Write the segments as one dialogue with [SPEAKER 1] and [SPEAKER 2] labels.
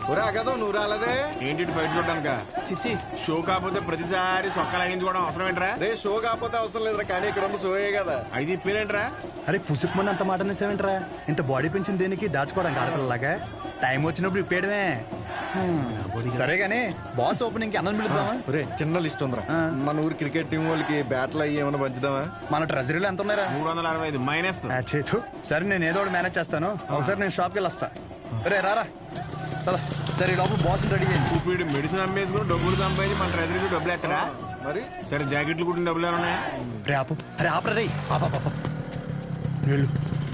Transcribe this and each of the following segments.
[SPEAKER 1] కదా నువ్వు రాలేదే
[SPEAKER 2] ఏంటి బయట చూడడానిక చిచ్చి షో కాకపోతే ప్రతిసారి సొక్క లాగించుకోవడం అవసరం ఏంట్రా?
[SPEAKER 1] రే షో కాకపోతే అవసరం లేదురా, కానీ ఇక్కడ ఉన్న షోయే కదా.
[SPEAKER 2] అయితే ఇప్పేరేంట్రా?
[SPEAKER 3] అరే పుసుకుమని అంత మాట అనేసేవేంట్రా? ఇంత బాడీ పెంచిన దేనికి దాచుకోవడానికి ఆడపిల్లలాగా? టైం వచ్చినప్పుడు ఇప్పేయడమే. సరే గానీ బాస్ ఓపెనింగ్ కి అన్నం పిలుద్దామా?
[SPEAKER 1] రే చిన్న లిస్ట్ ఉందిరా, మన ఊరు క్రికెట్ టీం వాళ్ళకి బ్యాట్లు అయ్యి ఏమైనా పంచుదామా?
[SPEAKER 3] మన ట్రెజరీలో ఎంత ఉన్నారా?
[SPEAKER 2] 365 మైనస్.
[SPEAKER 3] సరే నేను ఏదో ఒకటి మేనేజ్ చేస్తాను. ఒకసారి నేను షాప్కి వెళ్ళి వస్తా. రే రారా. సరే లోపల బాస్ రెడీ అయ్యింది.
[SPEAKER 2] ఇప్పుడు మెడిసిన్ అమ్మేసుకుని డబ్బులు సంపాదించి మన ట్రెజరీకి డబ్బులు ఎత్తరా?
[SPEAKER 1] మరి
[SPEAKER 2] సరే జాకెట్లు కుట్టిన డబ్బులు ఏమన్నా?
[SPEAKER 3] రే ఆపు, అరే ఆపరా రే. వెళ్ళు.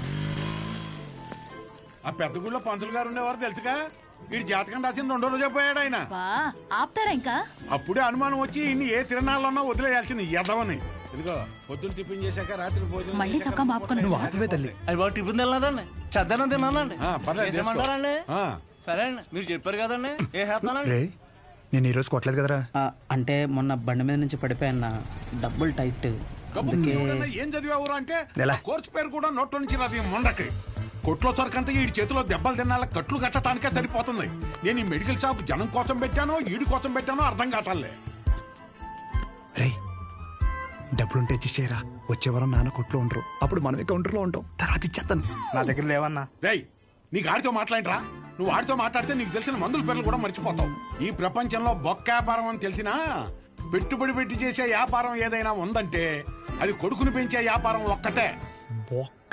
[SPEAKER 4] ఆ పెద్ద గుళ్ళో పంతులు గారు ఉండేవారు తెలుసుగా. వీడి జాతకం రాసింది 2 రోజు పోయాడు ఆయన.
[SPEAKER 5] ఆపుతారా ఇంకా?
[SPEAKER 4] అప్పుడే అనుమానం వచ్చి ఇన్ని ఏ తిరణాల్లో ఉన్నా వదిలేయాల్సింది ఎదవని. ఇదిగో పొద్దున్న టిఫిన్ చేశాక రాత్రి భోజనం
[SPEAKER 5] మళ్ళీ చొక్కా మాపుకొని
[SPEAKER 3] నువ్వు ఆపవే తల్లి.
[SPEAKER 6] అది బాబు టిఫిన్ తినలేదండి, చద్దనం తిన్నానండి.
[SPEAKER 4] పర్లేదు చేసుకో.
[SPEAKER 6] చేసేయమంటారండి?
[SPEAKER 4] ఆ.
[SPEAKER 6] సరే అండి, మీరు చెప్పారు కదండి, ఏ చేస్తానండి.
[SPEAKER 3] రే నేను ఈరోజు కొట్టలేదు కదరా.
[SPEAKER 7] అంటే మొన్న బండి మీద నుంచి పడిపోయాన్న, డబ్బులు టైట్.
[SPEAKER 4] కబుర్లు ఎవడన్నా ఏం చదివావురా అంటే
[SPEAKER 3] ఎలా?
[SPEAKER 4] కోర్సు పేరు కూడా నోట్లో నుంచి రాదు. మొండకి కొట్లో సరికంతా ఈ చేతిలో దెబ్బలు తినాల కట్లు కట్టడానికే సరిపోతుంది. నేను ఈ మెడికల్ షాప్ జనం కోసం పెట్టానో ఈడి కోసం పెట్టానో అర్థం కావట్లే.
[SPEAKER 3] రే డబ్బులుంటే ఇచ్చేయరా. వచ్చే వారం నాన్న కొట్లో ఉండరు, అప్పుడు మనమే కౌంటర్లో ఉంటాం. తర్వాత ఇచ్చేస్తాను.
[SPEAKER 6] నా దగ్గర లేవన్నా.
[SPEAKER 4] రేయ్ నీకు ఆడితో మాట్లాడరా? నువ్వు ఆడితో మాట్లాడితే నీకు తెలిసిన మందుల పేర్లు కూడా మర్చిపోతావు. ఈ ప్రపంచంలో బొక్క వ్యాపారం అని తెలిసినా పెట్టుబడి పెట్టి చేసే వ్యాపారం ఏదైనా ఉందంటే అది కొడుకుని పెంచే వ్యాపారం ఒక్కటే.
[SPEAKER 3] బొక్క.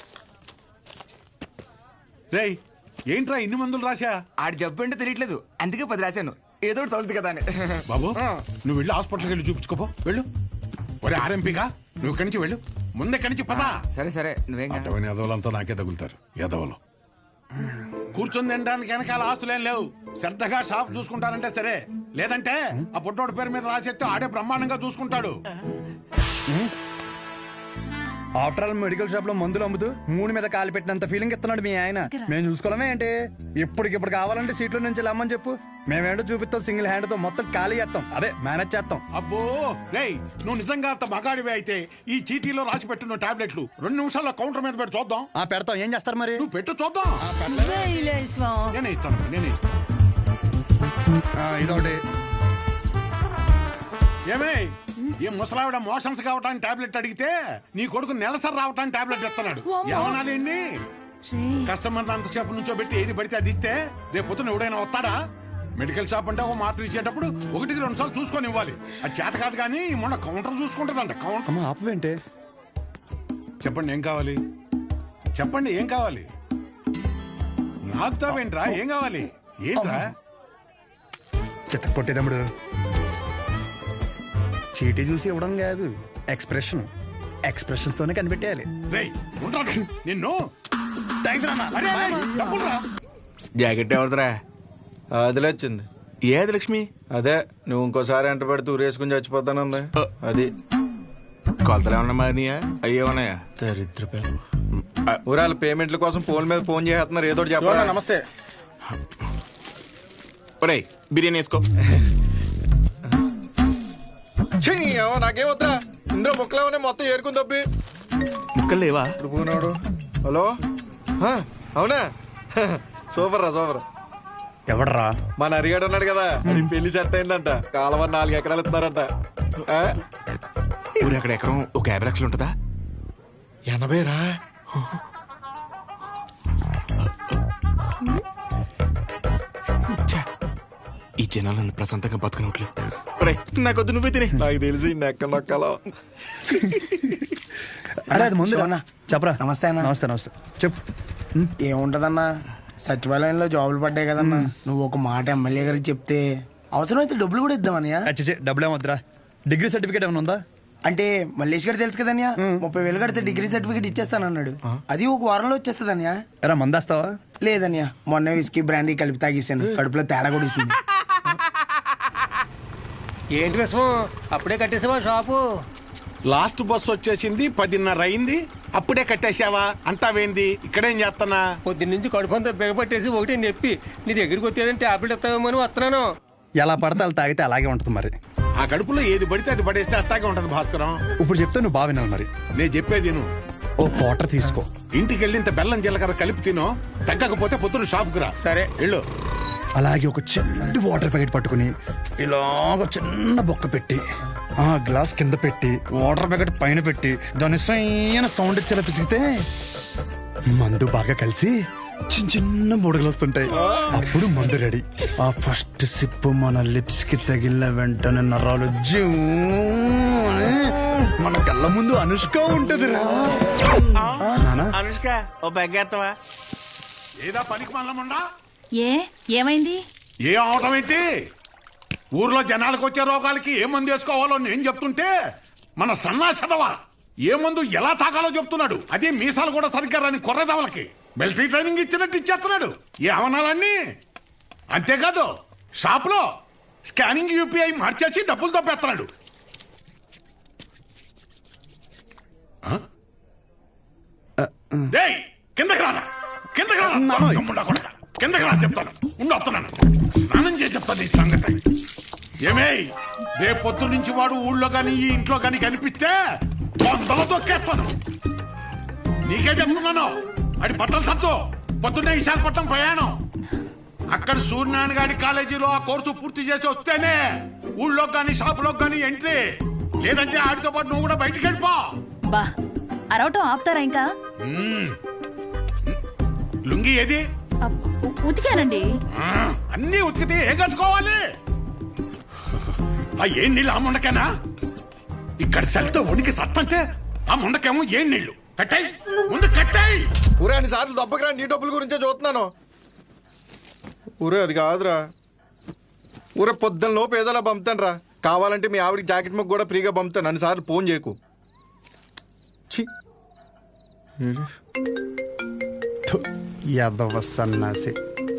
[SPEAKER 4] రేయ్ ఏంట్రా ఇన్ని మందులు రాశా?
[SPEAKER 8] ఆడి జబ్బు ఏంటో తెలియట్లేదు, అందుకే 10 రాశాను. ఏదో ఒకటి తగులుతుంది కదా అని.
[SPEAKER 4] బాబు నువ్వు వెళ్ళి హాస్పిటల్కి వెళ్ళి చూపించుకోపో. వెళ్ళు. ఒరే ఆర్ఎంపీగా నువ్వు ఇక్కడి నుంచి వెళ్ళు. ముందే ఇక్కడి నుంచి పదా.
[SPEAKER 8] సరే సరే నువ్వేం కాదు.
[SPEAKER 4] అటువంటి ఎదవలంతా నాకే తగులుతారు. ఎదవలు కూర్చొని తినడానికి వెనకాల ఆస్తులేం లేవు. శ్రద్ధగా షాప్ చూసుకుంటారంటే సరే, లేదంటే ఆ పుట్టోడి పేరు మీద రాసేస్తే ఆడే బ్రహ్మాండంగా చూసుకుంటాడు.
[SPEAKER 3] ఆఫ్టర్ ఆల్ మెడికల్ షాప్ లో మందులు అమ్ముతూ 3 మీద కాలు పెట్టినంత ఫీలింగ్ ఇస్తున్నాడు మీ ఆయన. మేము చూసుకోవడమే ఏంటి? ఇప్పటికిప్పుడు కావాలంటే సీట్లో నుంచి లమ్మని చెప్పు, మేమేంటో చూపిస్తాం. సింగిల్ హ్యాండ్ తో మొత్తం ఖాళీ చేస్తాం, అదే మేనేజ్ చేస్తాం.
[SPEAKER 4] అబ్బో రేయ్ నువ్వు నిజంగా అంత మగాడివే అయితే ఈ చీటీలో రాసి పెట్టున్న టాబ్లెట్లు 2 నిమిషాల్లో కౌంటర్ మీద పెట్టి చూద్దాం.
[SPEAKER 3] పెడతాం. ఏం చేస్తారు మరి?
[SPEAKER 4] నువ్వు పెట్టు చూద్దాం. నేనే ఇస్తాను.
[SPEAKER 3] ఇదొకటి.
[SPEAKER 4] ఏమే ఈ ముసలావిడ మోషన్స్ కావటానికి టాబ్లెట్ అడిగితే నీ కొడుకు నెలసరి రావటానికి టాబ్లెట్ ఇస్తున్నాడు. ఏమనాలండి? కస్టమర్ అంతసేపు నుంచో పెట్టి ఏది పడితే అది ఇస్తే రేపు పొద్దున ఎవడైనా వస్తాడా? మెడికల్ షాప్ అంటే ఒక మాత్ర ఇచ్చేటప్పుడు 1-2 సార్లు చూసుకొని ఇవ్వాలి. అది చేత కాదు కానీ మొన్న కౌంటర్ చూసుకుంటుందంట. కౌంటర్
[SPEAKER 3] ఆపవేంటే?
[SPEAKER 4] చెప్పండి ఏం కావాలి? చెప్పండి ఏం కావాలి? నాకుతావేంట్రా? ఏం కావాలి? ఏంట్రా?
[SPEAKER 3] చిత్త కొట్టేదమ్ముడు. చీటీ చూసి ఇవ్వడం కాదు, ఎక్స్ప్రెషన్స్ తోనే కనిపెట్టేయాలి.
[SPEAKER 4] రేయ్ ఉంటాను నిన్ను.
[SPEAKER 2] జాకెట్ ఎవరిదిరా?
[SPEAKER 1] అదిలే వచ్చింది.
[SPEAKER 2] ఏది లక్ష్మి?
[SPEAKER 1] అదే నువ్వు ఇంకోసారి ఎంట పెడితే ఊరేసుకుని చచ్చిపోతానుంది. అది
[SPEAKER 2] కొలతలు ఏమన్నా మారినాయా? అయ్యే ఉన్నాయా?
[SPEAKER 1] దరిద్ర ఊరాల పేమెంట్ల కోసం ఫోన్ మీద ఫోన్ చేస్తున్నారు. ఏదో చెప్పాలి.
[SPEAKER 2] నమస్తే. ఒరేయ్ బిర్యానీ వేసుకో.
[SPEAKER 1] నాకేం వద్దా? ఇందులో ముక్కలేమనే మొత్తం ఏరుకుని తప్పి
[SPEAKER 2] ముక్కలు లేవా?
[SPEAKER 1] ఇప్పుడు పోనాడు. హలో అవునా? సూపర్ రా సూపర్.
[SPEAKER 3] ఎవడరా?
[SPEAKER 1] మన అరిగాడు ఉన్నాడు కదా, పెళ్లి సెట్ అయిందంట. కాలువ 4 ఎకరాలు ఇస్తున్నారంట.
[SPEAKER 2] ఊరు అక్కడ ఎకరం ఒక 50 లక్షలు ఉంటుందా?
[SPEAKER 1] 80 రా.
[SPEAKER 2] ఈ జనాలు నన్ను ప్రశాంతంగా బతకనట్లేదు. నాకొద్దు, నువ్వే తినే.
[SPEAKER 1] నాకు తెలిసి నెక్క నొక్కలో.
[SPEAKER 3] అరే అది ముందు చెప్పరా.
[SPEAKER 6] నమస్తే అన్న.
[SPEAKER 3] నమస్తే చెప్పు.
[SPEAKER 6] ఏముంటదన్నా, సచివాలయంలో జాబులు పడ్డాయి కదన్నా. నువ్వు ఒక మాట ఎమ్మెల్యే గారికి చెప్తే అవసరమైతే డబ్బులు కూడా ఇద్దామన్నయ్య.
[SPEAKER 3] డబ్బులు ఏమొద్దురా. డిగ్రీ సర్టిఫికేట్ ఏమైనా ఉందా?
[SPEAKER 6] అంటే మల్లేష్ గారు తెలుసు కదన్యా, 30,000 కడితే డిగ్రీ సర్టిఫికేట్ ఇచ్చేస్తానన్నాడు. అది ఒక వారంలో వచ్చేస్తుందన్యా.
[SPEAKER 3] ఎరా మందేస్తావా?
[SPEAKER 6] లేదన్యా, మొన్న విస్కీ బ్రాండీ కలిపి తాగేసాను. కడుపులో తేడా కూడా ఇస్తుంది.
[SPEAKER 7] ఏంటి విషయం? అప్పుడే కట్టేసావా షాపు?
[SPEAKER 4] లాస్ట్ బస్ వచ్చేసింది, 10:30 అయింది. అప్పుడే కట్టేసావా? అంతా వేంది? ఇక్కడేం చేస్తున్నా?
[SPEAKER 7] పొద్దున్నుంచి కడుపంతా బిగపట్టేసి ఒకటి చెప్పి నీ దగ్గరికి వచ్చేదంటే టాబ్లెట్ ఇస్తావేమో అని వస్తున్నాను.
[SPEAKER 3] ఎలా పడితే అలా తాగితే అలాగే ఉంటుంది మరి.
[SPEAKER 4] ఆ కడుపులో ఏది పడితే అది పడేస్తే అట్టాగే ఉంటది భాస్కరం.
[SPEAKER 3] ఇప్పుడు చెప్తే నువ్వు బాగా వినాలి మరి.
[SPEAKER 4] నేను చెప్పేది నువ్వు
[SPEAKER 3] ఓ క్వార్టర్ తీసుకో.
[SPEAKER 4] ఇంటికి వెళ్ళి ఇంత బెల్లం జీలకర్ర కలిపి తినో. తగ్గకపోతే పొద్దున షాప్కి రా.
[SPEAKER 7] సరే
[SPEAKER 4] వెళ్ళు.
[SPEAKER 3] అలాగే ఒక చిన్న వాటర్ ప్యాకెట్ పట్టుకుని ఇలాగ చిన్న బొక్క పెట్టి ఆ గ్లాస్ కింద పెట్టి వాటర్ ప్యాకెట్ పైన పెట్టి దాని సైన సౌండ్ ఇచ్చేలా పిసిగితే మందు బాగా కలిసి చిన్న చిన్న బుడగలు వస్తుంటాయి. అప్పుడు మందు రెడీ. ఆ ఫస్ట్ సిప్ మన లిప్స్ కి తగిలిన వెంటనే నరాలు జూ అని మన కళ్ళ ముందు అనుష్క ఉంటదిరా.
[SPEAKER 2] అనుష్క ఓ బెగ్గేత్తవా?
[SPEAKER 4] ఏదా పనికి మల్లముండా?
[SPEAKER 5] ఏమైంది?
[SPEAKER 4] ఏం అవటం ఏంటి? ఊర్లో జనాలకు వచ్చే రోగాలకి ఏ మందు వేసుకోవాలో నేను చెప్తుంటే మన సన్నాసదవా ఏ మందు ఎలా తాగాలో చెప్తున్నాడు. అదే మీసాలు కూడా సరిగ్గా రాని కొర్రదవలకి మిలిటరీ ట్రైనింగ్ ఇచ్చినట్టు ఇచ్చేస్తున్నాడు. ఏ అవనాలన్నీ అంతేకాదు షాప్ లో స్కానింగ్ యూపీఐ మార్చేసి డబ్బులు తప్పేస్తున్నాడు. డేయ్, కిందకి రానా, కిందకి రానా, గమ్ముండా కొడకా. కిందకి రా చెప్తాను. ఉండి వస్తున్నాను, స్నానం చేసి చెప్తాను ఈ సంగతి. ఏమే రేపు పొద్దు నుంచి వాడు ఊళ్ళో కానీ ఈ ఇంట్లో కానీ కనిపిస్తే వందలు తొక్కేస్తాను. నీకే చెప్తున్నాను. అది బట్టలు సత్తు పొద్దున్నే విశాఖపట్నం ప్రయాణం. అక్కడ సూర్యనారాయణ గారి కాలేజీలో ఆ కోర్సు పూర్తి చేసి వస్తేనే ఊళ్ళో కానీ షాపులో కానీ ఎంట్రీ. లేదంటే ఆడితో పాటు నువ్వు కూడా బయటికి వెళ్ళిపో.
[SPEAKER 5] బా అరవటం ఆపుతారా ఇంకా?
[SPEAKER 4] లుంగి ఏది?
[SPEAKER 5] ఉతికానండి.
[SPEAKER 4] అన్నీ ఉతికితే ఏ కట్టుకోవాలి? ఆ ఏం నీళ్ళు ఆ ముండకేనా? ఇక్కడ సెల్తో వణికి సత్తంటే ఆ ముండకేమో ఏం నీళ్లు. కట్టాయి ముందు కట్టాయి.
[SPEAKER 1] ఊరే అన్ని సార్లు దెబ్బకిరా, నీ డబ్బుల గురించే చూస్తున్నాను. ఊరే అది కాదురా. ఊరే పొద్దున్న లోపు ఏదోలా పంపుతాను రా. కావాలంటే మీ ఆవిడికి జాకెట్ ముక్క కూడా ఫ్రీగా పంపుతాను. అన్నిసార్లు ఫోన్ చేయకు.
[SPEAKER 3] యాదవ సన్నాసి.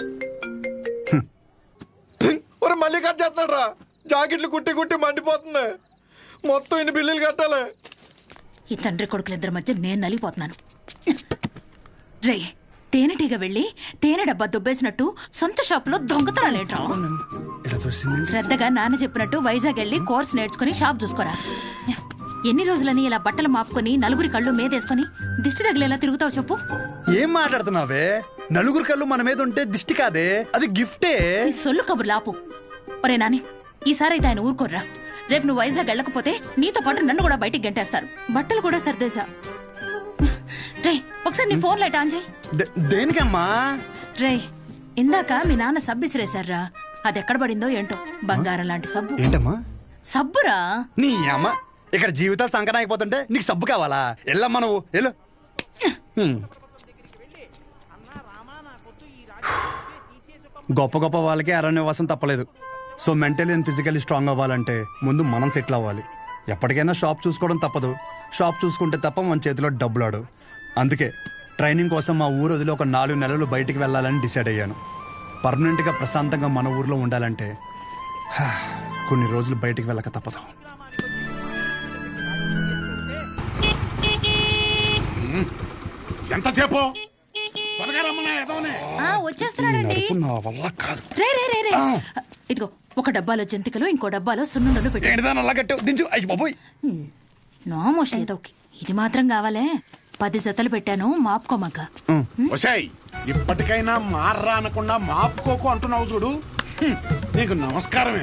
[SPEAKER 1] ఊరే మళ్ళీ కట్ చేస్తున్నాడు రా. జాకెట్లు కుట్టి కుట్టి మండిపోతుంది. మొత్తం ఇన్ని బిల్లులు కట్టాలి.
[SPEAKER 5] ఈ తండ్రి కొడుకులిద్దరి మధ్య నేను నలిగిపోతున్నాను. రే తేనెటీగ వెళ్ళి తేనె డబ్బా దుబ్బేసినట్టు సొంత షాపులో దొంగతనాలేట్రా? శ్రద్ధగా నాన్న చెప్పినట్టు వైజాగ్ వెళ్ళి కోర్స్ నేర్చుకుని షాప్ చూసుకోరా. ఎన్ని రోజులని ఇలా బట్టలు మాపుకొని నలుగురి కళ్ళు మీదేసుకుని దిష్టి తగిలేలా తిరుగుతావు చెప్పు?
[SPEAKER 3] ఏం మాట్లాడుతున్నావే? నలుగురు కళ్ళు మన మీద ఉంటే దిష్టి కాదే, అది గిఫ్టే.
[SPEAKER 5] ఈ సొల్లు కబుర్లు ఆపు. ఒరే నాని, ఈసారైతే ఆయన ఊరుకోర్రా. రేపు నువ్వు వైజాగ్ వెళ్ళకపోతే నీతో పాటు నన్ను కూడా బయటికి గంటేస్తారు. బట్టలు కూడా సర్దేశా. రే ఒకసారి నీ ఫోన్ లైట్ ఆన్ చేయి.
[SPEAKER 3] దేనికమ్మా?
[SPEAKER 5] రే ఇందాక మీ నాన్న సబ్బు ఇసిరేశారా, అది ఎక్కడ పడిందో ఏంటో. బంగారం లాంటి సబ్బు.
[SPEAKER 3] ఏంటమ్మా?
[SPEAKER 5] సబ్బురా.
[SPEAKER 3] నీ అమ్మ ఇక్కడ జీవితాలు సంకటం అయిపోతుంటే నీకు సబ్బు కావాలా? ఎల్లమ్మా నువ్వు వెళ్ళు. గొప్ప గొప్ప వాళ్ళకి అరణ్యవాసం తప్పలేదు. So mentally and physically strong అవ్వాలంటే ముందు మనం సెటిల్ అవ్వాలి. ఎప్పటికైనా షాప్ చూసుకోవడం తప్పదు. షాప్ చూసుకుంటే తప్ప మన చేతిలో డబ్బులు ఆడు. అందుకే ట్రైనింగ్ కోసం మా ఊరు వదిలి ఒక 4 నెలలు బయటికి వెళ్ళాలని డిసైడ్ అయ్యాను. పర్మనెంట్గా ప్రశాంతంగా మన ఊర్లో ఉండాలంటే కొన్ని రోజులు బయటికి వెళ్ళక తప్పదు.
[SPEAKER 4] ఎంతసేపు?
[SPEAKER 5] వచ్చేస్తున్నాడండి.
[SPEAKER 3] నా వల్ల కాదు.
[SPEAKER 5] రే రే రే రే ఇదిగో ఒక డబ్బాలో జంతికలు, ఇంకో డబ్బాలో సున్నుండలు పెట్టి.
[SPEAKER 3] అలా కట్టావు దించు. అయ్యి బాబోయ్.
[SPEAKER 5] నోమోష్ ఏదో ఇది మాత్రం కావాలే. 10 జతలు పెట్టాను, మాపుకోమాక.
[SPEAKER 4] ఒసేయ్, ఇప్పటికైనా మార్రా అనకుండా మాపుకోకు అంటున్నావు చూడు. నీకు నమస్కారమే.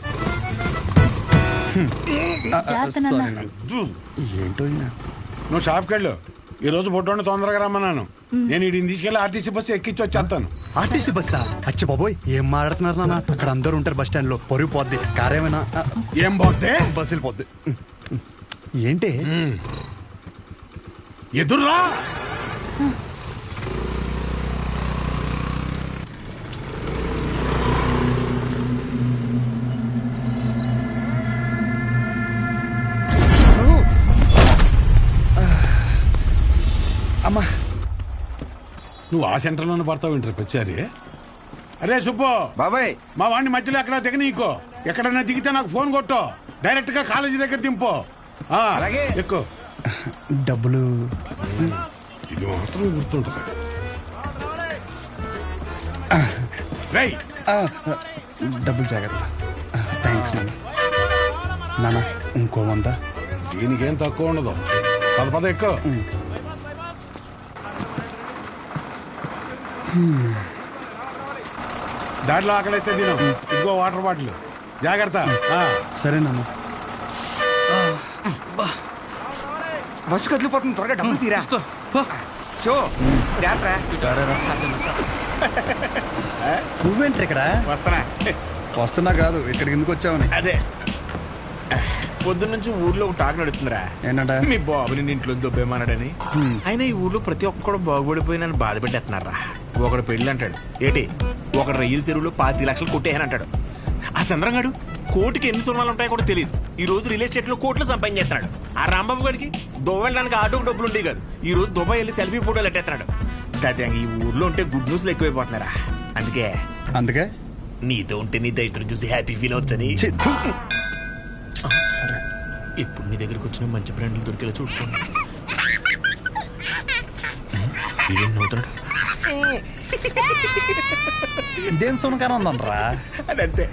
[SPEAKER 5] జాగ్రత్త నాన్న.
[SPEAKER 3] ఏంటో
[SPEAKER 4] నువ్వు షాప్కి వెళ్ళు. ఈ రోజు బొడ్డోని తొందరగా రమ్మన్నాను. నేను వీడిని తీసుకెళ్లి ఆర్టీసీ బస్సు ఎక్కించి వచ్చేస్తాను.
[SPEAKER 3] ఆర్టీసీ బస్సా? అచ్చి బాబోయ్, ఏం మాట్లాడుతున్నారు నాన్న? అక్కడ అందరూ ఉంటారు బస్ స్టాండ్ లో. పొరుగు పోద్ది. కారేమైనా
[SPEAKER 4] ఏం పోతే?
[SPEAKER 3] బస్సు వెళ్ళిపోద్ది. ఏంటి
[SPEAKER 4] ఎదుర్రా?
[SPEAKER 3] అమ్మా,
[SPEAKER 4] నువ్వు ఆ సెంటర్లోనే పడతావు ఇంటర్కి వచ్చారి. అరే సుబ్బు
[SPEAKER 1] బాబాయ్,
[SPEAKER 4] మా వాడిని మధ్యలో ఎక్కడ దిగనీకో. ఎక్కడన్నా దిగితే నాకు ఫోన్ కొట్టు. డైరెక్ట్ గా కాలేజీ దగ్గర దింపు.
[SPEAKER 1] అలాగే.
[SPEAKER 4] ఎక్కువ
[SPEAKER 3] డబ్బులు
[SPEAKER 4] ఇది మాత్రం గుర్తుంటుంది. రై
[SPEAKER 3] డబ్బులు జాగ్రత్త. థ్యాంక్స్ నాన్న. నాన్న ఇంకో 100.
[SPEAKER 4] దీనికేం తక్కువ ఉండదు. పద ఎక్కువ. దాంట్లో ఆకలిస్తే తిను. ఇదిగో వాటర్ బాటిల్. జాగ్రత్త.
[SPEAKER 3] సరేనమ్మా.
[SPEAKER 8] బస్సు కదిలిపోతుంది, త్వరగా డబ్బులు తీరా. షో జాగ్రత్త.
[SPEAKER 3] నువ్వేంటి ఇక్కడ?
[SPEAKER 2] వస్తానా?
[SPEAKER 3] వస్తున్నా కాదు, ఇక్కడికి ఎందుకు వచ్చావని.
[SPEAKER 2] అదే పొద్దున్న నుంచి ఊర్లో ఒక టాక్ నడుతుందిరా.
[SPEAKER 3] ఏంటంట?
[SPEAKER 2] మీ బాబుని నీ ఇంట్లో దొబ్బేమన్నాడని. అయినా ఈ ఊర్లో ప్రతి ఒక్కడు బాగుపడిపోయి నన్ను బాధ పెట్టేస్తున్నారా. ఒకడు పెళ్ళి అంటాడు, ఏటి ఒకడు రైలు చెరువులో 25 లక్షలు కొట్టేయని అంటాడు. ఆ చంద్రంగాడు కోటికి ఎన్ని సున్నాలు ఉంటాయో కూడా తెలియదు. ఈ రోజు రియల్ ఎస్టేట్ లో కోట్లు సంపాదించేస్తున్నాడు. ఆ రాంబాబు గడికి దుబాయ్ వెళ్ళడానికి ఆటోకి డబ్బులు ఉండేవి కాదు. ఈ రోజు దుబాయ్ వెళ్ళి సెల్ఫీ ఫోటోలు ఎట్టేస్తున్నాడు. ఈ ఊర్లో ఉంటే గుడ్ న్యూస్లు ఎక్కువైపోతున్నారా. అందుకే నీతో ఉంటే నీ దైత్రం చూసి హ్యాపీ ఫీల్ అవచ్చని ఇప్పుడు నీ దగ్గరికి వచ్చిన మంచి బ్రాండ్లు దొరికేలా చూసుకోండి.
[SPEAKER 3] ఇదేం సునకారం ఉందనరా?
[SPEAKER 2] అదంతే.